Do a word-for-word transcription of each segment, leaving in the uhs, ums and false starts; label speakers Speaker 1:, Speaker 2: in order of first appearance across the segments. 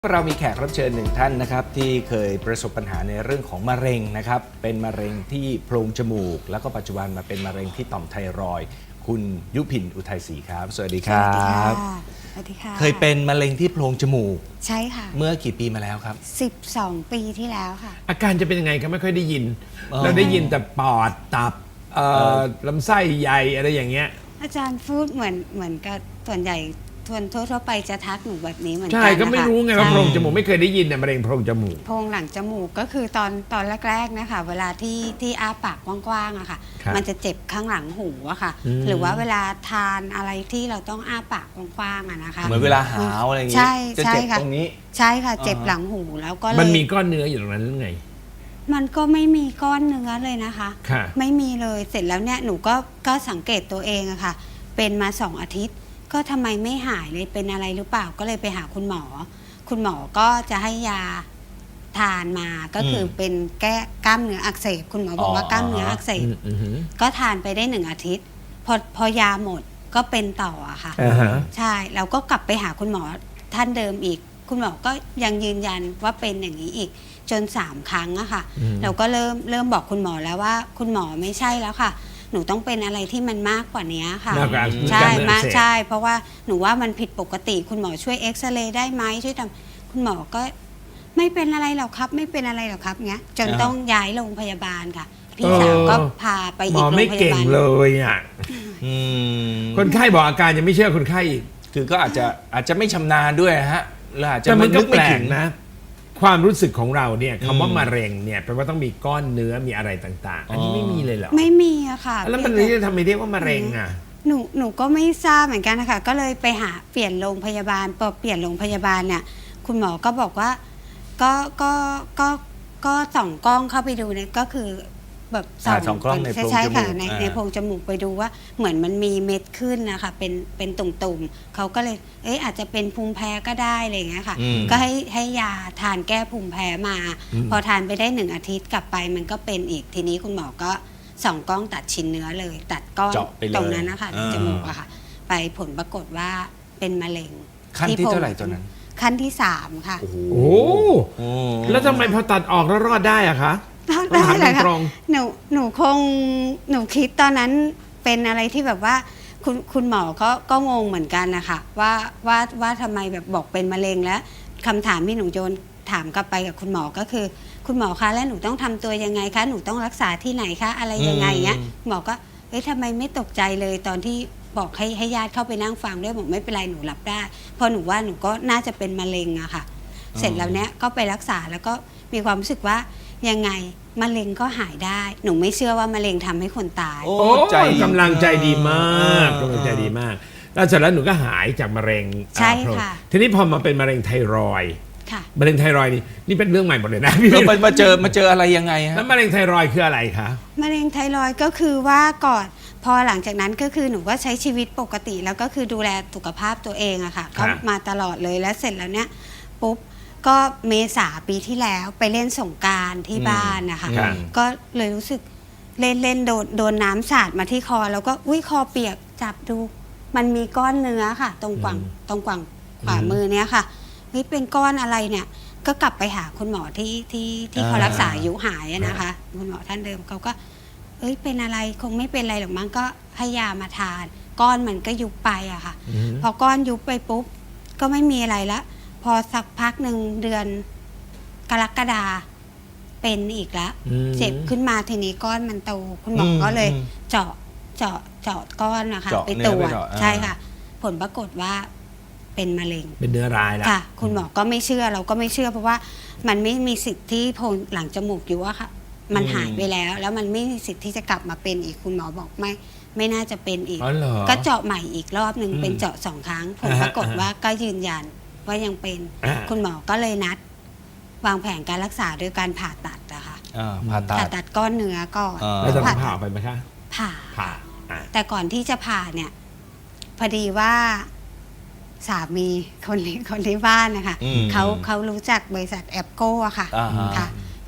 Speaker 1: เรามีแขกรับเชิญหนึ่งท่านนะครับที่เคยประสบปัญหาในเรื่องของมะเร็งนะครับเป็นมะเร็งที่โพรงจมูกแล้วก็ปัจจุบันมาเป็นมะเร็งที่ต่อมไทรอยด์คุณยุพินอุทัยศรีครับสวัสดีครับ
Speaker 2: สวัสดีค่ะ
Speaker 1: เคยเป็นมะเร็งที่โพรงจมูก
Speaker 2: ใช่ค่ะ
Speaker 1: เมื่อกี่ปีมาแล้วครับ
Speaker 2: สิบสองปีที่แล้วค่ะ
Speaker 3: อาการจะเป็นยังไงก็ไม่ค่อยได้ยินเราได้ยินแต่ปอดตับลำไส้ใหญ่อะไรอย่างเงี้ย
Speaker 2: อาจารย์พูดเหมือนเหมือนกับส่วนใหญ่ทวนทั่วๆไปจะทักหนูแบบนี้เหมือนกัน
Speaker 3: ใช่ก็ไม่รู้ไงว่าโพรงจมูกไม่เคยได้ยินเนี่ยมะเร็งโพรงจมูก
Speaker 2: โพรงหลังจมูกก็คือตอนตอนแรกๆนะคะเวลาที่ที่อ้าปากกว้างๆอะค่ะมันจะเจ็บข้างหลังหูอะค่ะหรือว่าเวลาทานอะไรที่เราต้องอ้าปากกว้างๆอะนะคะ
Speaker 1: เหมือนเวลาหาวอะไรอย่างงี้
Speaker 2: ใช่
Speaker 1: จะเจ็บตรงนี้
Speaker 2: ใช่ค่ะเจ็บหลังหูแล้วก็
Speaker 3: มันมีก้อนเนื้ออยู่ตรงนั้นหรือไง
Speaker 2: มันก็ไม่มีก้อนเนื้อเลยนะคะไม่มีเลยเสร็จแล้วเนี่ยหนูก็ก็สังเกตตัวเองอะค่ะเป็นมาสองอาทิตย์ก็ทำไมไม่หายเลยเป็นอะไรหรือเปล่าก็เลยไปหาคุณหมอคุณหมอก็จะให้ยาทานมาก็คือเป็นแก้กล้ามเนื้ออักเสบคุณหมอบอกว่ากล้ามเนื้ออักเสบก็ทานไปได้หนึ่งอาทิตย์พอพอยาหมดก็เป็นต่ออะค่ะใช่เราก็กลับไปหาคุณหมอท่านเดิมอีกคุณหมอก็ยังยืนยันว่าเป็นอย่างนี้อีกจนสามครั้งอะค่ะเราก็เริ่มเริ่มบอกคุณหมอแล้วว่าคุณหมอไม่ใช่แล้วค่ะหนูต้องเป็นอะไรที่มันมากกว่านี้ค่ะใช่มากใช่เพราะว่าหนูว่ามันผิดปกติคุณหมอช่วยเอ็กซเรย์ได้ไหมช่วยทำคุณหมอก็ไม่เป็นอะไรหรอกครับไม่เป็นอะไรหรอกครับเงี้ยจนต้องย้ายโรงพยาบาลค่ะพี่สาวก็พาไปอีกโรงพยาบาลหมอไม่เก่ง
Speaker 3: เลยอ่ะคนไข้บอกอาการยังไม่เชื่อคนไข้อีก
Speaker 1: คือก็อาจจะอาจจะไม่ชำนาญด้วยฮะแล้วอาจจะ
Speaker 3: ไม่นึกไม่ถึงนะความรู้สึกของเราเนี่ยคำว่ามะเร็งเนี่ยแปลว่าต้องมีก้อนเนื้อมีอะไรต่างๆอันนี้ไม่มีเลยเหรอ
Speaker 2: ไม่มีอะค่ะ
Speaker 3: แล้วมันจะทำไมเรียกว่ามะเร็งอะ
Speaker 2: หนูหนูก็ไม่ทราบเหมือนกันนะคะก็เลยไปหาเปลี่ยนโรงพยาบาลพอเปลี่ยนโรงพยาบาลเนี่ยคุณหมอก็บอกว่าก็ก็ก็ก็ส่องกล้องเข้าไปดูเนี่ยก็คือแบบ
Speaker 1: ส่องกล้องในโพรงจมูก
Speaker 2: ในในโพรงจมูกไปดูว่าเหมือนมันมีเม็ดขึ้นนะคะเป็นเป็นตุ่มๆเขาก็เลยเอ๊ะอาจจะเป็นภูมิแพ้ก็ได้อะไรอย่างเงี้ยค่ะก็ให้ให้ยาทานแก้ภูมิแพ้มาพอทานไปได้หนึ่งอาทิตย์กลับไปมันก็เป็นอีกทีนี้คุณหมอก็ส่องกล้องตัดชิ้นเนื้อเลยตัดก้อนตรงนั้นนะคะในจมูกอะค่ะไปผลปรากฏว่าเป็นมะเร็ง
Speaker 1: ขั้นที่เท่าไหร่ตอนนั้น
Speaker 2: ขั้นที่สามค่ะ
Speaker 3: โอ้โหแล้วทำไมพอตัดออกแล้วรอดได้อะคะ
Speaker 2: ได้แหละค่ะหนูหนูคงหนูคิดตอนนั้นเป็นอะไรที่แบบว่าคุณคุณหมอก็ก็งงเหมือนกันนะคะว่าว่าว่าทำไมแบบบอกเป็นมะเร็งแล้วคำถามที่หนูโยนถามกลับไปกับคุณหมอก็คือคุณหมอคะแล้วหนูต้องทำตัวยังไงคะหนูต้องรักษาที่ไหนคะอะไรยังไงเงี้ยหมอก็เอ้ยทำไมไม่ตกใจเลยตอนที่บอกให้ให้ญาติเข้าไปนั่งฟังด้วยบอกไม่เป็นไรหนูรับได้เพราะหนูว่าหนูก็น่าจะเป็นมะเร็งอะค่ะเสร็จแล้วเนี้ยก็ไปรักษาแล้วก็มีความรู้สึกว่ายังไงมะเร็งก็หายได้หนูไม่เชื่อว่ามะเร็งทำให้คนตาย
Speaker 3: โอ้ใจกำลังใจดีมากกำลังใจดีมากแล้วเสร็จแล้วหนูก็หายจากมะเร็ง
Speaker 2: ใช่ค่ะ
Speaker 3: ทีนี้พอมาเป็นมะเร็งไทรอยด์มะเร็งไทรอยด์นี่นี่เป็นเรื่องใหม่หมดเลยนะ
Speaker 1: พี่เรามาเจอมาเจออะไรยังไงฮะ
Speaker 3: แล้วมะเร็งไทรอยด์คืออะไรคะ
Speaker 2: มะเร็งไทรอยด์ก็คือว่าก่อนพอหลังจากนั้นก็คือหนูก็ใช้ชีวิตปกติแล้วก็คือดูแลสุขภาพตัวเองอะค่ะก็มาตลอดเลยแล้วเสร็จแล้วเนี้ยปุ๊บก็เมษาปีที่แล้วไปเล่นสงกรานต์ที่บ้านนะคะก็เลยรู้สึกเล่นเล่นโดนโดนน้ำสาดมาที่คอแล้วก็อุ้ยคอเปียกจับดูมันมีก้อนเนื้อค่ะตรงกว่างตรงกว่างขวามือเนี้ยค่ะเฮ้ยเป็นก้อนอะไรเนี่ยก็กลับไปหาคุณหมอที่ที่ที่เขารักษาอายุหายนะคะคุณหมอท่านเดิมเขาก็เอ้ยเป็นอะไรคงไม่เป็นอะไรหรอกมั้งก็ให้ยามาทานก้อนมันก็ยุบไปอะค่ะพอก้อนยุบไปปุ๊บก็ไม่มีอะไรละพอสักพักหนึ่งเดือนกรกฎาเป็นอีกแล้วเจ็บขึ้นมาทีนี้ก้อนมันโตคุณหมอก็เลยเจาะเจาะเจาะก้อนนะคะไปตรวจใช่ค่ะผลปรากฏว่าเป็นมะเร็ง
Speaker 3: เป็นเนื้อร้ายแล้ว
Speaker 2: ค่ะคุณหมอก็ไม่เชื่อเราก็ไม่เชื่อเพราะว่ามันไม่มีสิทธิ์ที่โพรงหลังจมูกอยู่อะค่ะมันหายไปแล้วแล้วมันไม่มีสิทธิ์ที่จะกลับมาเป็นอีกคุณหมอบอกไม่ไม่น่าจะเป็นอีกก็เจาะใหม่อีกรอบหนึ่งเป็นเจาะสองครั้งผลปรากฏว่าก็ยืนยันว่ายังเป็นคุณหมอก็เลยนัดวางแผนการรักษาโดยการผ่าตัดนะคะ
Speaker 1: ผ่าตัด
Speaker 2: ผ่าตัดก้อนเนื้อก่อน
Speaker 3: แล้วจะผ่าไปไหมคะ
Speaker 2: ผ่า
Speaker 3: ผ่า
Speaker 2: แต่ก่อนที่จะผ่าเนี่ยพอดีว่าสามีคนคนที่บ้านนะคะเขาเขารู้จักบริษัทแอปโก้อะค่ะค่ะ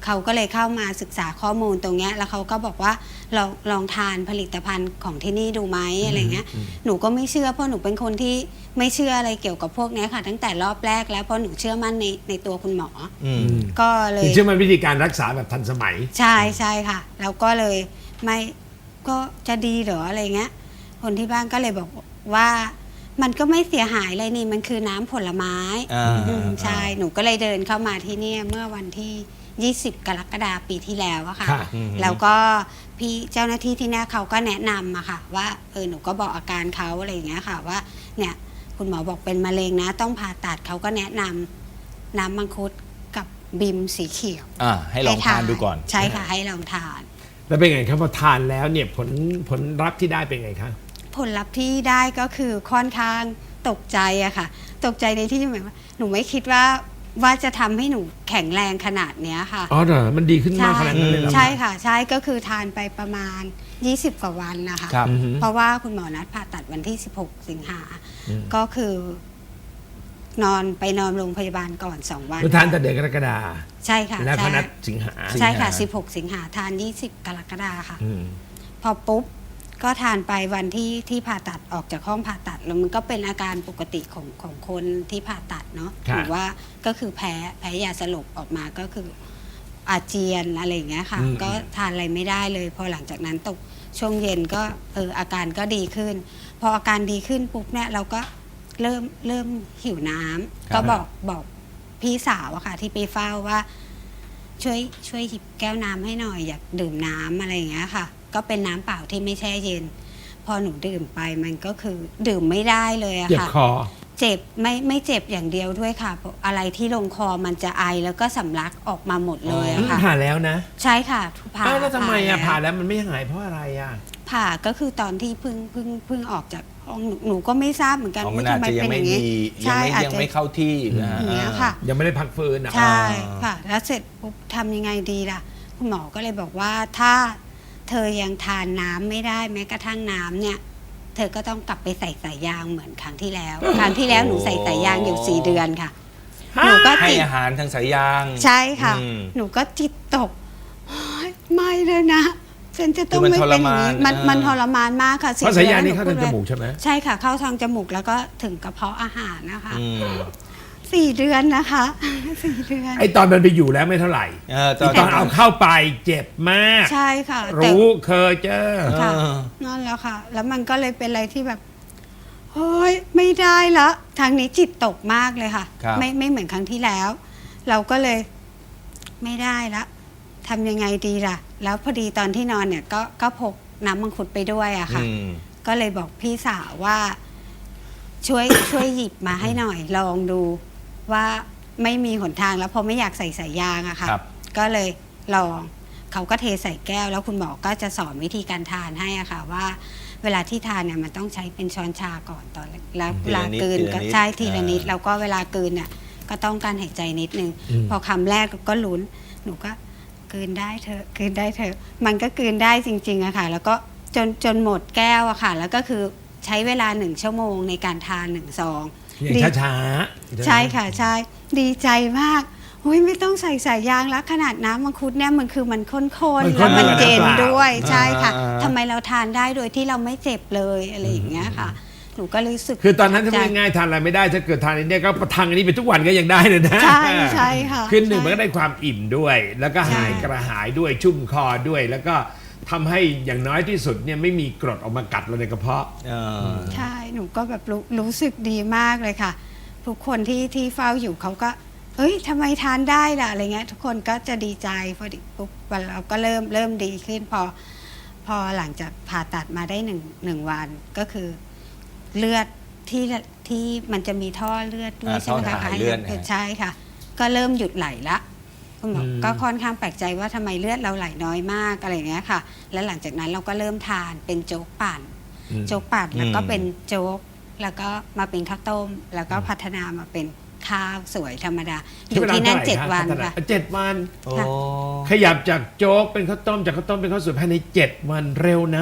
Speaker 2: เขาก็เลยเข้ามาศึกษาข้อมูลตรงเนี้ยแล้วเขาก็บอกว่าลองลองทานผลิตภัณฑ์ของที่นี่ดูไหมอะไรเงี้ยหนูก็ไม่เชื่อเพราะหนูเป็นคนที่ไม่เชื่ออะไรเกี่ยวกับพวกเนี้ยค่ะ ตั้งแต่รอบแรกแล้วเพราะหนูเชื่อมั่นในในตัวคุณหมออ
Speaker 1: อืม
Speaker 2: ก็เล
Speaker 3: คือย เชื่อมันวิธีการรักษาแบบทันสมัย
Speaker 2: ใช่ใช่ค่ะ แล้วก็เลยไม่ก็จะดีเหรออะไรเงี้ย คนที่บ้านก็เลยบอกว่ามันก็ไม่เสียหายอะไรนี่มันคือน้ำผลไม้
Speaker 1: อ่า
Speaker 2: อืมใช่หนูก็เลยเดินเข้ามาที่เนี่ยเมื่อวันที่ ยี่สิบ กรกฎาคมปีที่แล้วอะค่ะ
Speaker 3: ค่ะ
Speaker 1: อืม
Speaker 2: แล้วก็พี่เจ้าหน้าที่ที่เนี่ยเขาก็แนะนำอะค่ะ ว่าเออหนูก็บอกอาการเขาอะไรอย่างเงี้ยค่ะว่าเนี่ยคุณหมอบอกเป็นมะเร็งนะ ต้องผ่าตัดเขาก็แนะนำน้ำมังคุดกับบิมสีเขียว
Speaker 1: อ่าให้ลองทานดูก่อน
Speaker 2: ใช่ค่ะให้ลองทาน
Speaker 3: แล้วเป็นไงครับพอทานแล้วเนี่ยผลผลลัพธ์ที่ได้เป็นไงคะ
Speaker 2: ผลลัพธ์ที่ได้ก็คือค่อนข้างตกใจอะค่ะ ตกใจในที่หมายว่าหนูไม่คิดว่าว่าจะทำให้หนูแข็งแรงขนาดเนี้ยค่ะ
Speaker 3: อ๋อเหรอมันดีขึ้นมากขนาดนั้นเลยเหรอ
Speaker 2: ใช่ค่ะ ใช่ก็คือทานไปประมาณ ยี่สิบ กว่าวันนะคะ
Speaker 1: ครับ
Speaker 3: อือฮึ
Speaker 2: เพราะว่าคุณหมอนัดผ่าตัดวันที่ สิบหก สิงหาก็คือ นอนไปนอนโรงพยาบาลก่อน สอง วัน
Speaker 3: คุณทานแต่เดือนกรกฎา
Speaker 2: ใช่ค่ะ
Speaker 3: แล้วก็
Speaker 2: ใช่
Speaker 3: นัดสิงหา
Speaker 2: ใช่ค่ะ
Speaker 1: สิงหา
Speaker 2: สิบหก สิงหาทาน ยี่สิบ กรกฎาค่ะ
Speaker 3: อืม
Speaker 2: พอปุ๊บก็ทานไปวันที่ที่ผ่าตัดออกจากห้องผ่าตัดแล้วมันก็เป็นอาการปกติของของคนที่ผ่าตัดเนาะ
Speaker 3: ค่ะ
Speaker 2: หรือว่าก็คือแพ้แพ้ยาสลบออกมาก็คืออาเจียนอะไรอย่างเงี้ยค่ะ
Speaker 3: อืม
Speaker 2: ก็ทานอะไรไม่ได้เลย พอหลังจากนั้นตกช่วงเย็นก็เอออาการก็ดีขึ้น พออาการดีขึ้นปุ๊บเนี่ยเราก็เริ่มเริ่มหิวน้ำ
Speaker 1: ครับ
Speaker 2: ก็บอกบอกพี่สาวอะค่ะที่ไปเฝ้าว่า ช่วยช่วยหยิบแก้วน้ำให้หน่อยอยากดื่มน้ำอะไรอย่างเงี้ยค่ะ ก็เป็นน้ำเปล่าที่ไม่แช่เย็น พอหนูดื่มไปมันก็คือดื่มไม่ได้เลยอะ
Speaker 3: เจ็บ
Speaker 2: ค่ะ
Speaker 3: คอ
Speaker 2: เจ็บไม่ไม่เจ็บอย่างเดียวด้วยค่ะเพราะอะไรที่ลงคอมันจะไอแล้วก็สำลักออกมาหมดเลยอะค่ะ
Speaker 3: ผ่าแล้วนะ
Speaker 2: ใช่ค่ะผ่า
Speaker 3: อ้าวแล้วทำไมอ่ะผ่า
Speaker 2: แล้ว
Speaker 3: แล้วมันไม่หายเพราะอะไรอ่ะ
Speaker 2: ผ่าก็คือตอนที่เพิ่งเพิ่งเพิ่งออกจากห้องหนูหนูก็ไม่ทราบเหมือนกัน
Speaker 1: อ๋อมัน
Speaker 2: ว่า
Speaker 1: อาจ
Speaker 2: ทำไม
Speaker 1: จะยัง
Speaker 2: เป็นอ
Speaker 1: ไม่
Speaker 2: ย่างนี้
Speaker 1: ดียัง
Speaker 2: ใช่
Speaker 1: ไม่
Speaker 2: อาจ
Speaker 1: ยัง
Speaker 2: จะ
Speaker 1: ไม่เข้าที่นะฮะ
Speaker 2: อย่างเงี้ยค่ะ
Speaker 3: ยังไม่ได้พักฟื้นอ่ะ
Speaker 2: ใช่
Speaker 1: อ่า
Speaker 2: ค่ะ แล้วเสร็จปุ๊บทำยังไงดีล่ะ คุณหมอก็เลยบอกว่าถ้าเธอยังทานน้ำไม่ได้แม้กระทั่งน้ำเนี่ย เธอก็ต้องกลับไปใส่สายยางเหมือนครั้งที่แล้ว ครั้งที่แล้วหนูใส่สายยางอยู่สี่เดือนค่ะ หนูก็
Speaker 1: ให้
Speaker 2: จิต
Speaker 1: อาหารทางสายยาง
Speaker 2: ใช่ค่ะ
Speaker 1: อืม
Speaker 2: หนูก็จิตตกโอ๊ยไม่เลยนะ ฉันจะต้อง
Speaker 1: คือมัน
Speaker 2: ไม่เป็นอย่างนี้
Speaker 1: ทรมาน
Speaker 2: มัน
Speaker 1: เออ
Speaker 2: มันทรมานมากค่ะ
Speaker 3: เพราะสายยางนี่
Speaker 2: ดือ
Speaker 3: เข้า
Speaker 2: แล้
Speaker 3: ทาว ง
Speaker 2: ห
Speaker 3: จ
Speaker 2: พูด
Speaker 3: มูกใช่ไหม
Speaker 2: ใช่ค่ะ เข้าทางจมูกแล้วก็ถึงกระเพาะอาหารนะคะ
Speaker 1: อืม
Speaker 2: สี่เดือนนะคะสี่เดือน
Speaker 3: ไอตอนมันไปอยู่แล้วไม่เท่าไหร่
Speaker 1: เออต
Speaker 3: อี
Speaker 1: อน
Speaker 3: ตอนเอาเข้าไปเจ็บมาก
Speaker 2: ใช่ค่ะแต่
Speaker 3: รู้เคยเจอ
Speaker 2: ค่ะ
Speaker 1: เออ
Speaker 2: นั่นแหล้วค่ะ แล้วมันก็เลยเป็นอะไรที่แบบเฮ้ยไม่ได้ละทางนี้จิตตกมากเลยค่ะ
Speaker 1: ครับ
Speaker 2: ไม่ไม่เหมือนครั้งที่แล้ว เราก็เลยไม่ได้ละทำยังไงดีล่ะ แล้วพอดีตอนที่นอนเนี่ยก็ก็พกน้ำมังคุดไปด้วยอะค่ะ
Speaker 1: อืม
Speaker 2: ก็เลยบอกพี่สาวว่า ช่วย ช่วยหยิบมาให้หน่อย ลองดูว่าไม่มีหนทางแล้วเพราะไม่อยากใส่สายยางอะค่ะ
Speaker 1: ครับ
Speaker 2: ก็เลยลอง เขาก็เทใส่แก้ว แล้วคุณหมอก็จะสอนวิธีการทานให้อะค่ะ ว่าเวลาที่ทานเนี่ยมันต้องใช้เป็นช้อนชาก่อนตอนแรกแล้ว
Speaker 1: ที
Speaker 2: เว
Speaker 1: ละ
Speaker 2: ลา
Speaker 1: นิด
Speaker 2: กลืน
Speaker 1: ทีละ
Speaker 2: ก็
Speaker 1: นิด
Speaker 2: ใช่ทีละนิด
Speaker 1: อ่า
Speaker 2: แล้วก็เวลากลืนเนี่ยก็ต้องการหายใจนิดนึง
Speaker 3: อืม
Speaker 2: พอคำแรกก็ลุ้น หนูก็กลืนได้เถอะกลืนได้เถอะ มันก็กลืนได้จริงๆอะค่ะ แล้วก็จนจนหมดแก้วอะค่ะ แล้วก็คือใช้เวลาหนึ่งชั่วโมงในการทานหนึ่งซอง
Speaker 3: อย่าง
Speaker 2: ดี
Speaker 3: ช้าๆ
Speaker 2: ใช่ค่ะใช่ ดีใจมากโอ้ยไม่ต้องใส่สายยางแล้วขนาดน้ำมังคุดเนี่ยมันคือมันข้น
Speaker 3: มัน
Speaker 2: ๆ
Speaker 3: ข้
Speaker 2: แล้ว
Speaker 3: น
Speaker 2: มัน
Speaker 3: กว่า
Speaker 2: เย็น
Speaker 3: น้ำเปล่า
Speaker 2: ด้วยใช่ค่ะ
Speaker 1: อ่า
Speaker 2: ทำไมเราทานได้โดยที่เราไม่เจ็บเลยอะไรอย่างเงี้ยค่ะ หนูก็รู้สึก
Speaker 3: คือตอนนั้นถ้า
Speaker 2: ใจ
Speaker 3: ไม่ง่ายทานอะไรไม่ได้ถ้าเกิดทานอันเนี้ยก็ประทังอันนี้ไปทุกวันก็ยังได้เลยนะ
Speaker 2: ใช่ใช่ค่ะ
Speaker 3: คือหนึ่ง
Speaker 2: ใช่
Speaker 3: มันก็ได้ความอิ่มด้วย แล้วก็หาย
Speaker 2: ใช่
Speaker 3: กระหายด้วยชุ่มคอด้วย แล้วก็ทำให้อย่างน้อยที่สุดเนี่ยไม่มีกรดออกมากัดเราในกระเพาะ
Speaker 1: เออ
Speaker 2: ใช่ หนูก็แบบรู้รู้สึกดีมากเลยค่ะ ทุกคนที่ที่เฝ้าอยู่เขาก็ เอ้ยทำไมทานได้ล่ะอะไรเงี้ย ทุกคนก็จะดีใจพอดีปุ๊บวันเราก็เริ่มเริ่มดีขึ้น พอ พอหลังจากผ่าตัดมาได้หนึ่งหนึ่งวันก็คือ เลือดที่ที่มันจะมีท่อเลือดด้วย
Speaker 1: อ่า
Speaker 2: ใช่ไหม
Speaker 1: ท่อ
Speaker 2: คะ
Speaker 1: ถ่ายเลือดนะฮะ
Speaker 2: ใช่ค่ะ ก็เริ่มหยุดไหลละคุณหมอ
Speaker 3: อืม
Speaker 2: ก็ค่อนข้างแปลกใจว่าทำไมเลือดเราไหลน้อยมากอะไรอย่างเงี้ยค่ะ แล้วหลังจากนั้นเราก็เริ่มทานเป็นโจ๊กปั่น
Speaker 3: อืม
Speaker 2: โจ๊กปั่นแล้วก็
Speaker 1: อืม
Speaker 2: เป็นโจ๊กแล้วก็มาเป็นข้าวต้ม แล้วก็พัฒนามาเป็นข้าวสวยธรรมดาอยู่ที่นั่นเจ็ดวันค่ะ
Speaker 3: เจ็ดวัน
Speaker 1: โอ้
Speaker 2: ค่ะ
Speaker 3: ขยับจากโจ๊กเป็นข้าวต้มจากข้าวต้มเป็นข้าวสวยภายในเจ็ดวันเร็วนะ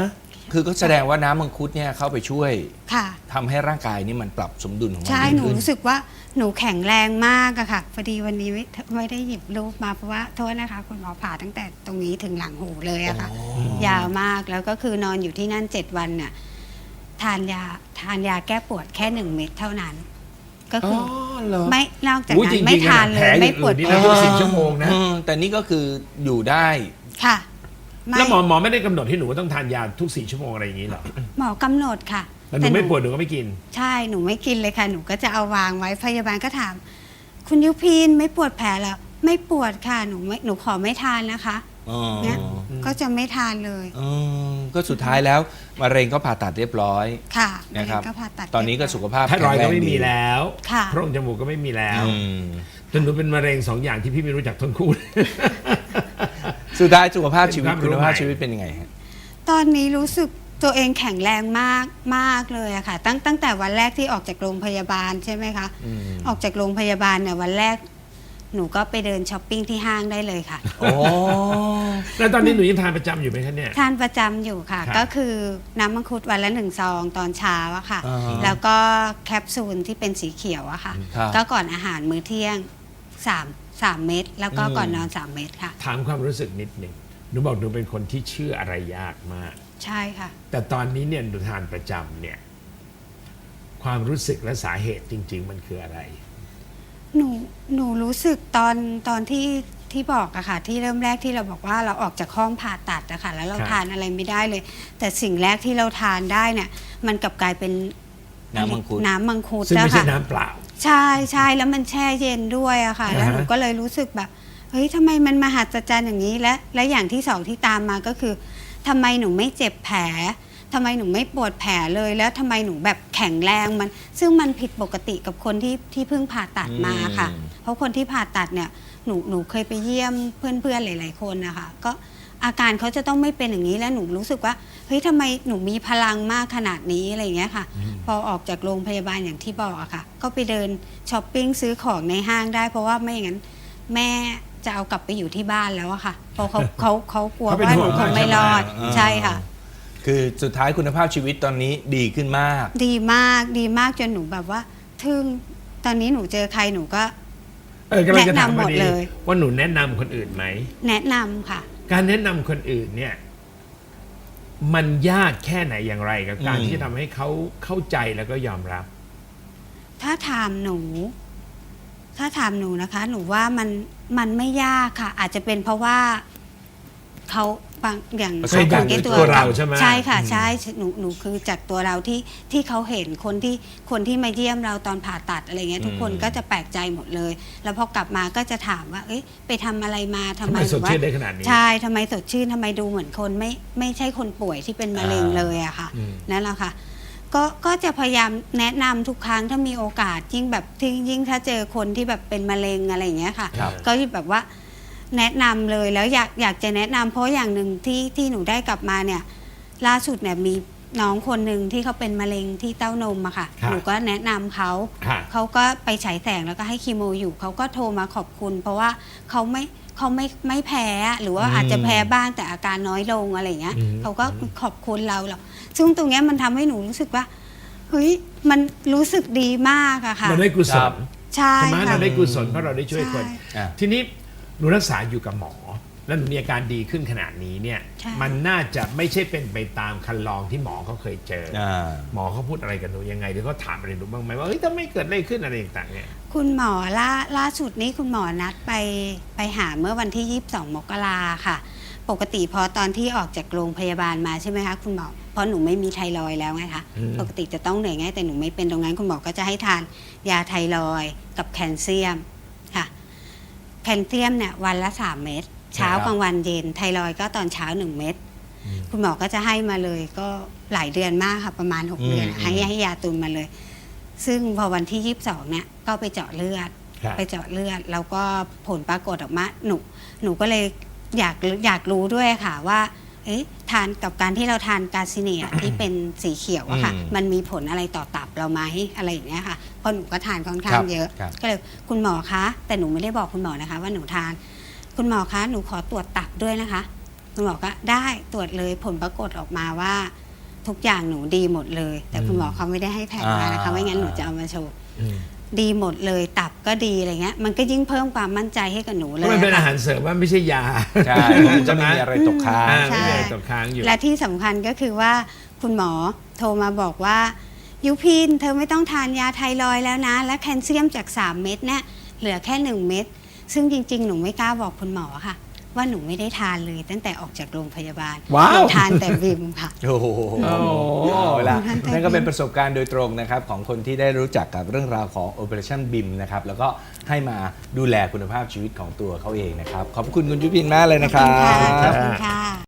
Speaker 1: คือก็แสดงว่าน้ำมังคุดเนี่ยเข้าไปช่วย
Speaker 2: ค่ะ
Speaker 1: ทำให้ร่างกายนี่มันปรับสมดุลของมัน
Speaker 2: ใช่
Speaker 1: ดี
Speaker 2: หนู
Speaker 1: ขึ้น
Speaker 2: รู้สึกว่าหนูแข็งแรงมากอะค่ะพอดีวันนี้ไม่ไม่ได้หยิบรูปมาเพราะว่าโทษนะคะคุณหมอผ่าตั้งแต่ตรงนี้ถึงหลังหูเลยอะค่ะ ยาวมากแล้วก็คือนอนอยู่ที่นั่นเจ็ดวันเนี่ยทานยาทานยาแก้ปวดแค่หนึ่งเม็ดเท่านั้น ก็
Speaker 1: อ๋อ
Speaker 2: คือ
Speaker 1: เหรอ
Speaker 2: ไม่นอกจาก
Speaker 3: อุ๊ย
Speaker 2: นั้
Speaker 3: จริ
Speaker 2: น
Speaker 3: งๆ
Speaker 2: ไม่ทานเล
Speaker 3: แผล
Speaker 2: ย
Speaker 3: อย่าง
Speaker 2: ไม่ปวด
Speaker 3: อื่นนี่
Speaker 2: แผล
Speaker 3: นะ ทุกสิ่งชั่วโมงนะ
Speaker 1: อืมแต่นี่ก็คืออยู่ได้
Speaker 2: ค่ะไม่
Speaker 3: แล้วหมอหมอไม่ได้กำหนดให้หนูว่าต้องทานยาทุกสี่ชั่วโมงอะไรอย่างนี้เหรอ
Speaker 2: หมอกำหนดค่ะ
Speaker 3: แล้วหนูไม่ปวดหนูก็ไม่กิน
Speaker 2: ใช่หนูไม่กินเลยค่ะ หนูก็จะเอาวางไว้พยาบาลก็ถาม คุณยุพินไม่ปวดแผลเหรอไม่ปวดค่ะหนูไม่หนูขอไม่ทานนะคะ
Speaker 1: อ๋อ
Speaker 2: เนี่ยก็จะไม่ทานเลย
Speaker 1: อืมก็สุดท้ายแล้วมะเร็งก็ผ่าตัดเรียบร้อย
Speaker 2: ค่ะ
Speaker 1: นะครับ
Speaker 2: ก็ผ่าตัด
Speaker 1: ตอนนี้ก็สุขภาพ
Speaker 3: ไทรอยด์ก็ไม่
Speaker 1: แข็งแรงดี
Speaker 3: มีแล้ว
Speaker 2: ค่ะ
Speaker 3: โพรงจมูกก็ไม่มีแล้ว
Speaker 1: อืม
Speaker 3: จนหนูเป็นมะเร็งสองอย่างที่พี่ไม่รู้จักทั้งคู่
Speaker 1: สุดท้ายสุขภาพชีวิต
Speaker 3: เป็นความรู้
Speaker 1: คุณภาพ
Speaker 3: ใหม่
Speaker 1: ชีวิตเป็นยังไงฮะ
Speaker 2: ตอนนี้รู้สึกตัวเองแข็งแรงมากมากเลยอะค่ะ ตั้งตั้งแต่วันแรกที่ออกจากโรงพยาบาลใช่ไหมคะ
Speaker 1: อืม
Speaker 2: ออกจากโรงพยาบาลเนี่ยวันแรก หนูก็ไปเดินช้อปปิ้งที่ห้างได้เลยค่ะ
Speaker 1: โอ้
Speaker 3: แล้วตอนนี้หนูยังทานประจำอยู่ไหมคะเนี่ย
Speaker 2: ทานประจำอยู่ค่ะ
Speaker 3: ครับ
Speaker 2: ก็คือน้ำมังคุดวันละหนึ่งซองตอนเช้าอะค่ะ
Speaker 1: อ่าฮะ
Speaker 2: แล้วก็แคปซูลที่เป็นสีเขียวอะค่ะ
Speaker 1: ครับ
Speaker 2: ก็ก่อนอาหารมื้อเที่ยงสามสามเม็ดแล้วก็
Speaker 1: อืม
Speaker 2: ก่อนนอนสามเม็ดค่ะ
Speaker 3: ถามความรู้สึกนิดหนึ่งหนูบอกหนูเป็นคนที่เชื่ออะไรยากมาก
Speaker 2: ใช่ค่ะ
Speaker 3: แต่ตอนนี้เนี่ยหนูทานประจำเนี่ย ความรู้สึกและสาเหตุจริง ๆ มันคืออะไร
Speaker 2: หนูหนูรู้สึกตอนตอนที่ที่บอกอะค่ะ ที่เริ่มแรกที่เราบอกว่าเราออกจากห้องผ่าตัดอะค่ะแล้วเรา
Speaker 3: ครับ
Speaker 2: ทานอะไรไม่ได้เลย แต่สิ่งแรกที่เราทานได้เนี่ย มันกลับกลายเป็น
Speaker 1: น้ำมังคุด
Speaker 2: น้ำมังคุด
Speaker 3: ซึ่งไม่ใช่
Speaker 2: อะค่ะ
Speaker 3: น้ำเปล่า
Speaker 2: ใช่ใช่แล้วมันแช่เย็นด้วยอะค่ะ แล้ว
Speaker 3: อ่าฮะ
Speaker 2: หนูก็เลยรู้สึกแบบเฮ้ยทำไมมันมหัศจรรย์อย่างนี้และและอย่างที่สองที่ตามมาก็คือทำไมหนูไม่เจ็บแผลทำไมหนูไม่ปวดแผลเลย แล้วทำไมหนูแบบแข็งแรงมัน ซึ่งมันผิดปกติกับคนที่ที่เพิ่งผ่าตัดมาค่ะ
Speaker 1: อืม
Speaker 2: เพราะคนที่ผ่าตัดเนี่ยหนูหนูเคยไปเยี่ยมเพื่อนๆหลาย ๆ คนนะคะก็อาการเขาจะต้องไม่เป็นอย่างนี้แล้วหนูรู้สึกว่าเฮ้ยทำไมหนูมีพลังมากขนาดนี้อะไรอย่างเงี้ยค่ะ พอออกจากโรงพยาบาลอย่างที่บอกอะค่ะ ก็ไปเดินช้อปปิ้งซื้อของในห้างได้ เพราะว่าไม่อย่างนั้นแม่จะเอากลับไปอยู่ที่บ้านแล้วอะค่ะเพราะเขาเขาเขากลัว
Speaker 3: เขาเป็น
Speaker 2: ว่าห
Speaker 3: ห่
Speaker 2: นู
Speaker 3: วง
Speaker 2: คงไม่รอด
Speaker 1: อ่า
Speaker 2: ใช่ค่ะ
Speaker 1: คือสุดท้ายคุณภาพชีวิตตอนนี้ดีขึ้นมาก
Speaker 2: ดีมากดีมากจนหนูแบบว่าทึ่งตอนนี้หนูเจอใครหนูก็
Speaker 3: เออกำลังจะถาม
Speaker 2: แนะนำหม
Speaker 3: พอ
Speaker 2: ด
Speaker 3: ดี
Speaker 2: เลย
Speaker 3: ว่าหนูแนะนำคนอื่นไหม
Speaker 2: แนะนำค่ะ
Speaker 3: การแนะนำคนอื่นเนี่ย มันยากแค่ไหนอย่างไรกับการ
Speaker 1: อืม
Speaker 3: ที่จะทำให้เขาเข้าใจแล้วก็ยอมรับ
Speaker 2: ถ้าถามหนู ถ้าถามหนูนะคะ หนูว่ามันมันไม่ยากค่ะ อาจจะเป็นเพราะว่าเขาบางอย่าง
Speaker 1: ประสบการณ์
Speaker 2: สังกต
Speaker 3: ตัวเราใช่ไหม
Speaker 2: ใช่ค่ะ
Speaker 3: อืม
Speaker 2: ใช่หนูหนูคือจากตัวเราที่ที่เขาเห็นคนที่คนที่มาเยี่ยมเราตอนผ่าตัดอะไรเงี้ย ทุกคน
Speaker 1: อืม
Speaker 2: ก็จะแปลกใจหมดเลย แล้วพอกลับมาก็จะถามว่า เอ้ยไปทำอะไรมาทำ
Speaker 3: ทำ
Speaker 2: ไม
Speaker 3: ไมสด
Speaker 2: หรือว่า
Speaker 3: ชื่นได้ขนาดนี้
Speaker 2: ใช่ทำไมสดชื่นทำไมดูเหมือนคนไม่ไม่ใช่คนป่วยที่เป็นมะเร็งเลยอะค่ะ
Speaker 3: อืม
Speaker 2: นั่นแหละค่ะ ก็ก็จะพยายามแนะนำทุกครั้งถ้ามีโอกาสยิ่งแบบที่ยิ่งถ้าเจอคนที่แบบเป็นมะเร็งอะไรอย่างเงี้ยค่ะ
Speaker 1: ครับ
Speaker 2: ก็แบบว่าแนะนำเลยแล้วอยากอยากจะแนะนำเพราะอย่างหนึ่งที่ที่หนูได้กลับมาเนี่ย ล่าสุดเนี่ยมีน้องคนหนึ่งที่เขาเป็นมะเร็งที่เต้านมอะค่ะ
Speaker 3: ครับ
Speaker 2: หนูก็แนะนำเขา
Speaker 3: ค่ะ
Speaker 2: เขาก็ไปฉายแสงแล้วก็ให้คีโมอยู่เขาก็โทรมาขอบคุณ เพราะว่าเขาไม่เขาไม่ไม่แพ้หรือว่า
Speaker 1: อืม
Speaker 2: อาจจะแพ้บ้างแต่อาการน้อยลงอะไรอย่างเงี้ย
Speaker 3: อืม
Speaker 2: เขาก็ขอบคุณเราหรอกซึ่งตรงเนี้ยมันทำให้หนูรู้สึกว่าเฮ้ยมันรู้สึกดีมากอะค่ะ
Speaker 3: เราได้กุศ
Speaker 1: ครั
Speaker 3: ล
Speaker 1: บ
Speaker 2: ใช่
Speaker 3: ใช่ไหม
Speaker 2: ค่ะ
Speaker 3: เราได้กุศลเพราะเราได้ช่วยคน
Speaker 2: ใช่
Speaker 1: อ่ะ
Speaker 3: ทีนี้หนูรักษาอยู่กับหมอ แล้วหนูมีอาการดีขึ้นขนาดนี้เนี่ย
Speaker 2: ใช่
Speaker 3: มันน่าจะไม่ใช่เป็นไปตามคันลองที่หมอเขาเคยเจออ
Speaker 1: อ่า
Speaker 3: หมอเขาพูดอะไรกับหนูยังไงหรือเขาถามอะไรหนูบ้างไหมว่าเฮ้ยถ้าไม่เกิดอะไรขึ้นอะไรต่างๆเนี่ย
Speaker 2: คุณหมอล่าล่าสุดนี้คุณหมอนัดไปไปหาเมื่อวันที่ ยี่สิบสอง มกราค่ะ ปกติพอตอนที่ออกจากโรงพยาบาลมาใช่ไหมคะคุณหมอเพราะหนูไม่มีไทรอยด์แล้วไงคะ
Speaker 3: อืม
Speaker 2: ปกติจะต้องเหนื่อยง่ายแต่หนูไม่เป็นตรงนั้นคุณหมอก็จะให้ทานยาไทรอยด์กับแคลเซียมค่ะแคลเซียมเนี่ยวันละสามเม็ดเช้ากลางวันเย็นไทรอยด์ก็ตอนเช้าหนึ่งเม็ดคุณหมอก็จะให้มาเลยก็หลายเดือนมากค่ะประมาณหกเดือน
Speaker 1: อืม
Speaker 2: ให้ให้ยาตุนมาเลย ซึ่งพอวันที่ ยี่สิบสอง เนี่ยก็ไปเจาะเลือด
Speaker 3: ครับ
Speaker 2: ไปเจาะเลือดแล้วก็ผลปรากฏออกมาหนูหนูก็เลยอยากอยากรู้ด้วยค่ะว่าเอ๊ะทานกับการที่เราทานกาซิเนีย ที่เป็นสีเขียวอะค่ะ
Speaker 1: อืม
Speaker 2: มันมีผลอะไรต่อตับเราไหมอะไรอย่างเงี้ยค่ะเพราะหนูก็ทานค่อนข้า
Speaker 1: ครั
Speaker 2: ง
Speaker 1: บ
Speaker 2: เยอะ
Speaker 1: ครับ
Speaker 2: ก็เลยคุณหมอคะแต่หนูไม่ได้บอกคุณหมอนะคะ ว่าหนูทาน คุณหมอคะหนูขอตรวจตับด้วยนะคะ คุณหมอก็ได้ตรวจเลยผลปรากฏออกมาว่าทุกอย่างหนูดีหมดเลย แต่คุณหมอเขาไม่ได้ให้แผนมานะคะ
Speaker 1: อ่า
Speaker 2: ไม่งั้นหนูจะเอามาโชว์
Speaker 3: อืม
Speaker 2: ดีหมดเลยตับก็ดีอะไรเงี้ยมันก็ยิ่งเพิ่มความมั่นใจให้กับหนู
Speaker 3: เพ
Speaker 2: เล
Speaker 3: ราะ
Speaker 2: ย
Speaker 3: มันเป็น
Speaker 2: อะ
Speaker 3: อา
Speaker 2: ค่ะ
Speaker 3: หารเสริมว่าไม่ใช่ยา
Speaker 1: ใช่มันจะไม่มีอะไรตกค้าง
Speaker 3: อ่า
Speaker 2: ใช่
Speaker 3: ไม่มีอะไรตกค้างอยู่
Speaker 2: และที่สำคัญก็คือว่าคุณหมอโทรมาบอกว่ายุพินเธอไม่ต้องทานยาไทรอยด์แล้วนะ และแคลเซียมจาก สาม เม็ดเนี่ยเหลือแค่ หนึ่ง เม็ดซึ่งจริง ๆ หนูไม่กล้าบอกคุณหมอค่ะ ว่าหนูไม่ได้ทานเลยตั้งแต่ออกจากโรงพยาบาล
Speaker 3: ว้าว
Speaker 2: หนูทานแต่บิมค่ะ
Speaker 1: โอ้โห
Speaker 3: โอ้โห
Speaker 1: เอาละ
Speaker 2: ท่านใจ
Speaker 1: นั่นก็เป็นประสบการณ์โดยตรงนะครับของคนที่ได้รู้จักกับเรื่องราวของ Operationบี ไอ เอ็ม นะครับแล้วก็ให้มาดูแลคุณภาพชีวิตของตัวเขาเองนะครับ ขอบคุณคุณยุพินมากเลยนะค
Speaker 2: ข
Speaker 1: รั
Speaker 2: อบคุณค่ะ
Speaker 1: บ
Speaker 2: ขอบคุณค่ะ